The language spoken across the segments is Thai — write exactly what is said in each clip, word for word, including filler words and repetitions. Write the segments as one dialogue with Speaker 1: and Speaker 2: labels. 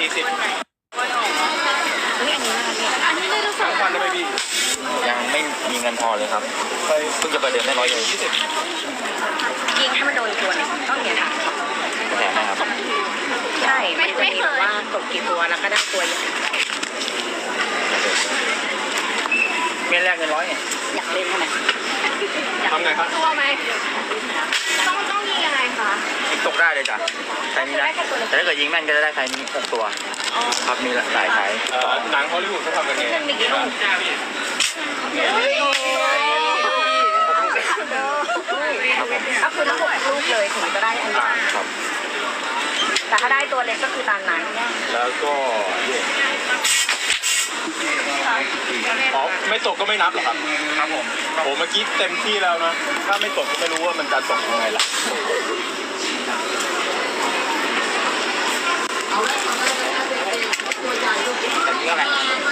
Speaker 1: สี่สิบ
Speaker 2: นี่อันนี้นะคะอันนี้ได้ทุก
Speaker 1: ทั้งพันได้ไหมพี่ยังไม่มีเงินพอเลยครับเพิ่งจะไปเดินได้ร้อยเดียวยี่สิบ
Speaker 2: ยิงให้มันโดนตัวเนี่ยต้องอย่างนี้ค่ะ
Speaker 1: แถมนะครับ
Speaker 2: ใช่ไม่ไม่เคยว่ากดกี่ตัวแล้วก็ได้ตัวอย่าง
Speaker 1: เมียนแรกเงินร้อยเนี่ย
Speaker 2: อยากเล่นใช่ไหม
Speaker 1: ทำไงครับ
Speaker 2: ตัวไหมต้องต้องยิงยังไงคะ
Speaker 1: ยิงตกได้เลยจ้ะใครนี้นะแต่ถ้าเกิดยิงแม่นก็จะได้ใครนี้หกตัวครับมีหลายสายหนังฮอลลีวูดเขาทำกันไง
Speaker 2: มีกี่ลูกก็คือทั้งหกลูกเลยถึงจะได้อันนี้แต่ถ้าได้ตัวเล็กก็คือตามนั้น
Speaker 1: แล้วก็อ๋อไม่ตกก็ไม่นับหรอครับครับผมโอ้เมื่อกี้เต็มที่แล้วนะถ้าไม่ตกก็ไม่รู้ว่ามันจะตกยังไงล่ะแต่นี่อะไร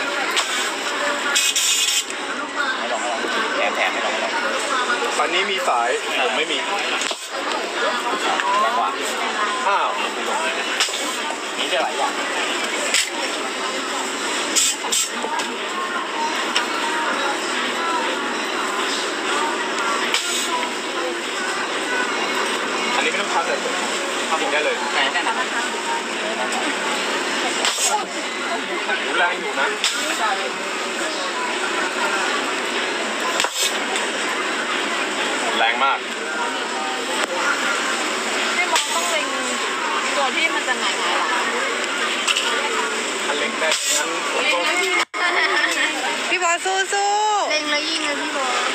Speaker 1: ไม่ลองไม่ลองแถมแถมไม่ลองไม่ลองตอนนี้มีสายผมไม่มีแรงกว่าอ้าวนี่จะหลายอย่างอันนี้ไม่ต้องพักเลยทำเองได้เลยแรงนะแรงอยู่นะแรงมาก
Speaker 2: ให้มองต้องเล็งตัวที่มันจะหงายๆหรอ
Speaker 1: อันเล็งได้งั้น
Speaker 3: พี่บอลสู้สู้
Speaker 2: เล็งแล้วยิงเลยพี่บอล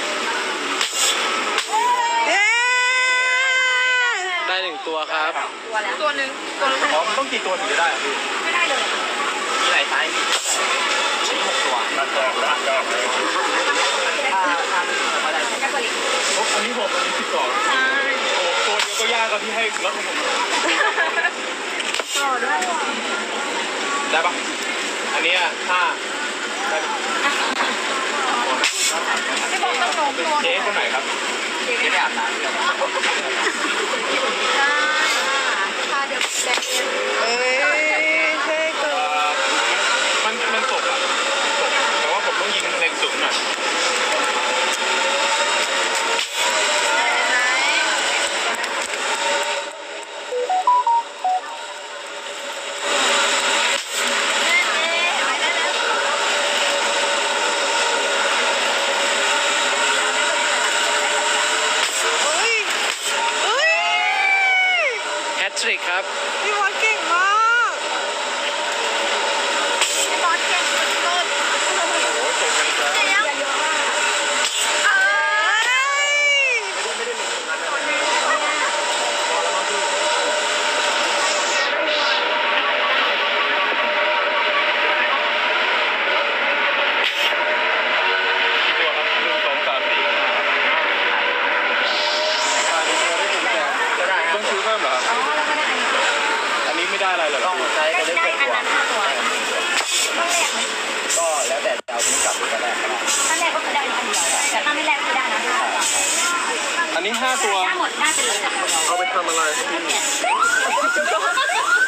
Speaker 3: ได้หนึ่งตัวครับ
Speaker 2: ตัวแล้วตัวหนึ่งตัวนึง
Speaker 1: อ๋อมันต้องกี่ตัวถึงจะได้อ่ะพี่
Speaker 2: ไม่ได้เลย
Speaker 1: มีหลายไซส์ชิ้นหกตัวตัดตัวแล้วก็อ่าทำมาได้แค่ตัวเล็กอันนี้หกอันนี้สิบสองใช่โอ้ตัวเดียวก็ยากครับพี่ให้แล้วผม
Speaker 2: ต่อด้วย
Speaker 1: ได้ปะอันนี้ห้าได้
Speaker 2: ไม่บอกต้องลงตัว
Speaker 1: เจ๊คนไหนครับเจ๊ไม่อาบน้ำเลย
Speaker 2: ใช่พาเดี๋ยวแดง
Speaker 3: เอ้ยใช่ก็
Speaker 1: มันมันตกอ่ะตกแต่ว่าผมต้องยิงแรงสูงหน่อย
Speaker 3: ทริกครับ
Speaker 2: พี่บอลเก่งมากพี่บอลเก่งสุดๆ
Speaker 1: โอ้โหเก่งกันจัง
Speaker 2: เยอะมากเอ้ย
Speaker 1: ไม่ได้ไม่ได้ลงตรงนั้นนะพอแล้วมั้งพี่ตัวครับหนึ่งสองสามสี่ต้องซื้อเพิ่มเหรอครับอันนี้ไม่ได้อะไรหรอต้องใช้ก็ได้แค่ตัวก็แล้วแต่จะเอาทิ้งกลับหรือก็ได้
Speaker 2: ถ้าแรกก็คือได้อันเดียวแต่ถ้าไม่แรกคือได้นะ
Speaker 1: อันนี้ห้าตัว
Speaker 2: หมดน่าจะเหลือ
Speaker 1: เอาไปทำอะไร